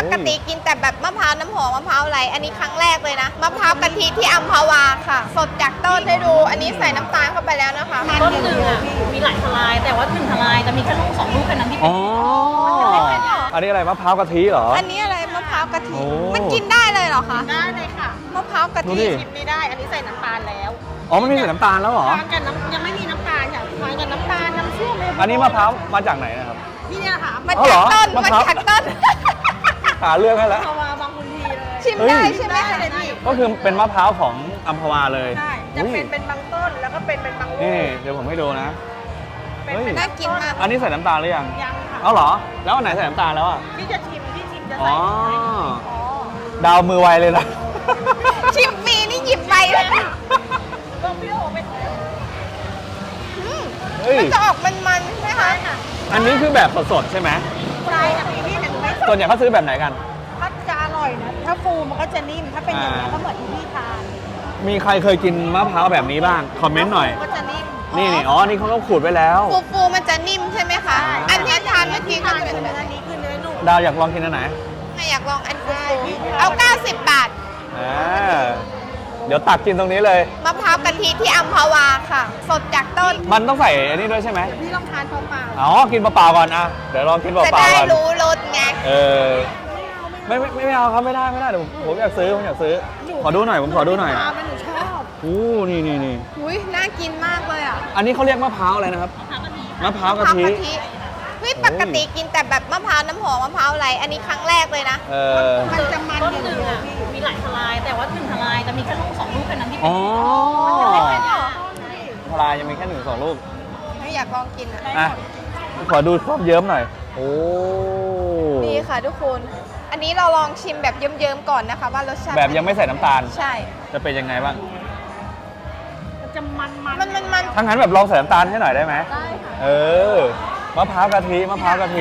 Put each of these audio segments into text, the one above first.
กติกินแต่แบบมะพร้าวน้ำหอมมะพร้าวอะไรอันนี้ครั้งแรกเลยนะมะพร้าวกะทิที่อัมพวาค่ะสดจากต้นให้ดูอันนี้ใส่น้ำตาลเข้าไปแล้วนะคะต้นหนึ่งอ่ะมีหลายทลายแต่ว่า1ทลายจะมีแค่ลูก2 ลูกแค่นั้นที่เป็นอันนี้อะไรมะพร้าวกะทิเหรออันนี้อะไรมะพร้าวกะทิโอ้มันกินได้เลยเหรอคะได้เลยค่ะมะพร้าวกะดูทิดิชิมไม่ได้อันนี้ใส่น้ำตาลแล้วอ๋อมันมีใส่น้ำตาลแล้วเหรอทานกับน้ำยังไม่มีน้ำตาลค่ะทานกับน้ำตาลน้ำเชื่อมเลยอันนี้มะพร้าวมาจากไหนนะครับที่เนี่ยค่ะมาอ๋อเหรจากอต้นมะมาพร้าวจากต้นหาเรื่องให้แล้วพาวาบางคนทีเลยชิมเฮ้ยได้ใช่ไหมได้คะเลยพี่ก็คือเป็นมะพร้าวของอัมพวาเลยใช่จะอุ้ยเป็นบางต้นแล้วก็เป็นบางลูนี่กเดี๋ยวผมให้ดูนะเป็นเฮ้ยน่ากินมากอันนี้ใส่น้ำตาลหรือยังยังค่ะเอาเหรอ แล้วอันไหนใส่น้ำตาลแล้วอ่ะพี่จะชิมจะอ๋ใส่ออ๋อดาวมือไวเลยนะชิมฟรีนี่หยิบไปเลยก็พี่โอเป็นอืมเฮ้ยมันจะออกมันๆใช่ไหมคะค่ะอันนี้คือแบบสดๆใช่ไหมใช่ค่ะพี่เห็นไหมส่วนใหญ่เขาซื้อแบบไหนกันถ้าจะอร่อยนะถ้าฟูมันก็จะนิ่มถ้าเป็นอย่างนี้ยอ่าก็เหมือนที่พี่ทานมีใครเคยกินมะพร้าวแบบนี้บ้าง คอมเมนต์หน่อยก็จะนิ่มนี่อ๋อ นี่เขาต้องขูดไว้แล้วฟูๆมันจะนิ่มใช่ไหมคะ อันที่ทานเมื่อกี้ก็ทานจะคืเป็นอแบบเนื้อนี้คือเนื้อนุ่มดาวอยากลองกินอันไหนไม่อยากลองอันฟูได้พี่ๆเอา 90 บาทอ่า เดี๋ยวตักกินตรงนี้เลยมะพร้าวกะทิที่อัมพวาค่ะ สดจากต้นมันต้องใส่อันนี้ด้วยใช่ไหมพี่ลองทานเปล่าอ๋อ กินเปล่าๆก่อนอะเดี๋ยวลองกินเปจะล่าได้ๆก่อนรู้รสไงเออ ไม่เอาครับไม่ได้เดี๋ยวผมอยากซื้อขอดูหน่อยผมขอดูหน่อยทานมันหนูชอบอู้นี่อุ้ยน่ากินมากเลยอ่ะอันนี้เขาเรียกมะพร้าวอะไรนะครับ มะพร้าวกะทิเฮ้ยปกติกินแต่แบบมะพร้าวน้ำหอมมะพร้าวอะไรอันนี้ครั้งแรกเลยนะเออมันจะมันต้นหนึ่งอ่ะมีหลายทลายแต่ว่า1ทลายจะมีแค่ลูก2 ลูกแค่นั้นที่เป็นอ๋อไม่หรอทลายยังมีแค่1-2 ลูกไม่อยากลองกินอ่ะอ่ะ ขอดูความเยิ้มหน่อย โอ้ดีค่ะทุกคน อันนี้เราลองชิมแบบเยิ้มๆก่อนนะคะว่ารสชาติแบบยังไม่ใส่น้ำตาลใช่จะเป็นยังไงบ้างมันจะมันมันถ้างั้นแบบลองใส่น้ำตาลให้หน่อยได้ไหมได้ค่ะเออ มะพร้าวกะทิอื้อ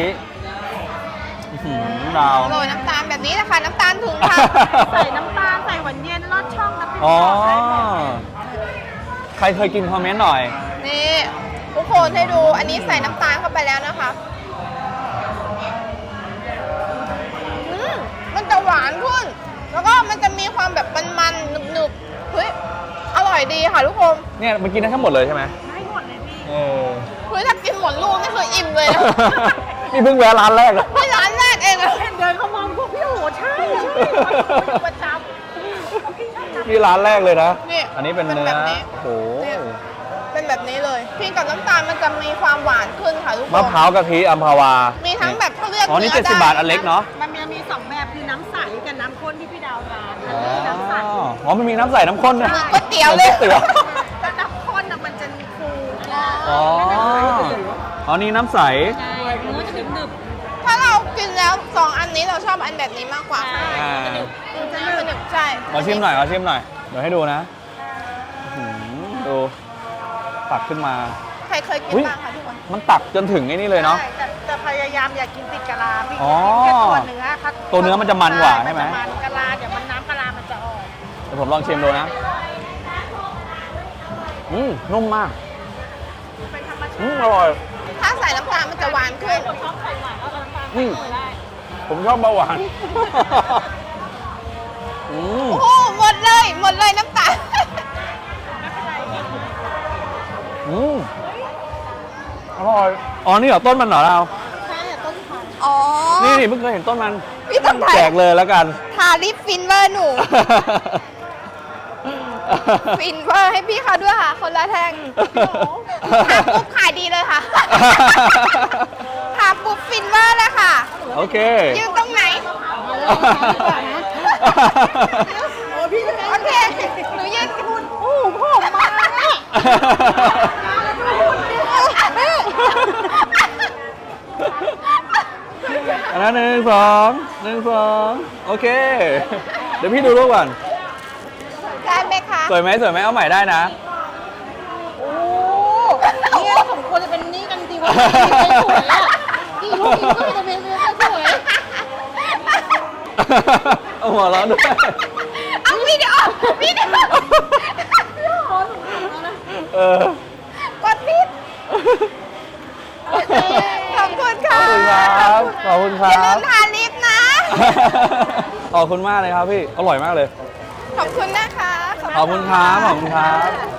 หือดาวโรยน้ำตาลแบบนี้นะคะน้ำตาลถุงค่ะใส่น้ำตาลใส่หวานเย็นลอดช่องน้ำพริกอ๋อใส่หมดใครเคยกินคอมเมนต์หน่อยนี่ทุกคนให้ดูอันนี้ใส่น้ำตาลเข้าไปแล้วนะคะมันจะหวานขึ้น แล้วก็มันจะมีความแบบมันๆหนึบๆเฮ้ยอร่อยดีค่ะทุกคนเนี่ยมันกินได้ทั้งหมดเลยใช่ไหมได้หมดเลยพี่เออเฮ้ยถ้ากินหมดลูกนี่คืออิ่มเลยนะนี่เพิ่งแวะร้านแรกอะไม่ร้านแรกเองอะเห็นเดินเข้ามองพวกพี่โอ้ใช่ประจำนี่ร้านแรกเลยนะนี่อันนี้เป็นเนื้อแบบนี้โอ้โหเนี่ยเป็นแบบนี้เลยพี่กับน้ำตาลมันจะมีความหวานขึ้นค่ะทุกคนมะพร้าวกะทิอัมพวามีทั้งแบบเขาเรียกอ๋อนี่เนื้อ 70 บาทอันเล็กเนาะมันมี2 แบบคือน้ำใสกับน้ำข้นที่พี่ดาวทานอันอ๋อนี้น้ำใสอ๋อมันมีน้ำใส่น้ำข้นด้วยมีก๋วยเตี๋ยวเลยก๋วยเตี๋ยวแต่น้ำข้นน่ะมันจะฟูอ๋อ อ๋อนี่น้ำใสใช่เนื้อจะหนึบถ้าเรากินแล้ว2อันนี้เราชอบอันแบบนี้มากกว่าอ่ามันจะหนึบใช่ขอชิมหน่อย เดี๋ยวให้ดูนะอื้อหือดู ตักขึ้นมาใครเคยกินอุ๊ยบ้างคะทุกคนมันตักจนถึงไอ้นี่เลยเนาะใช่แต่พยายามอย่ากินติดกะลาพี่อ๋อกินแค่ตัวเนื้อค่ะตัวเนื้อมันจะมันกว่าใช่ไหมนจะมันกะลาเดี๋ยวมันน้ำกะลามันจะออกเดี๋ยวผมลองชิมดูนะ นุ่มมากเป็นธรรมชาติอร่อยถ้าใส่น้ำตาลมันจะหวานขึ้นคนชอบไข่หวานก็น้ำตาลอืมใส่ได้ผมชอบเบาหวานโอ้โหหมดเลยน้ำตาลอร่อย อ๋อ นี่เหรอต้นมันเหรอเราใช่ต้นพันธุ์อ๋อนี่เพิ่งเคยเห็นต้นมันพี่ต้องถ่ายแจกเลยแล้วกันทาลิปฟินเวอร์หนู ฟินเวอร์ให้พี่เขาด้วยค่ะ คนละแท่งทาปุ๊บขายดีเลยค่ะ ทาปุ๊บฟินเวอร์เลยค่ะโอเคยืนตรงไหนโอ้พี่จะโอเค หนูยืนคุณโอ้พ่อมาแล้วอันนั้น1 2 โอเค เดี๋ยวพี่ดูรูปก่อนได้ไหมคะสวยไหมเอาใหม่ได้นะโอ้เนี่ยสมควรจะเป็นนี่กันจริงๆว่าสวยอ่ะกี่ลูกก็จะเป็นสวยเอาหัวเราะด้วยเอาวิดีโอเออกดผิดขอบคุณค่ะขอบคุณครัอย่าลืบมทาลิปนะขอบคุณมากเลยครับพี่ อร่อยมากเลยขอบคุณนะคะขอบคุณครับ ขอบคุณครับ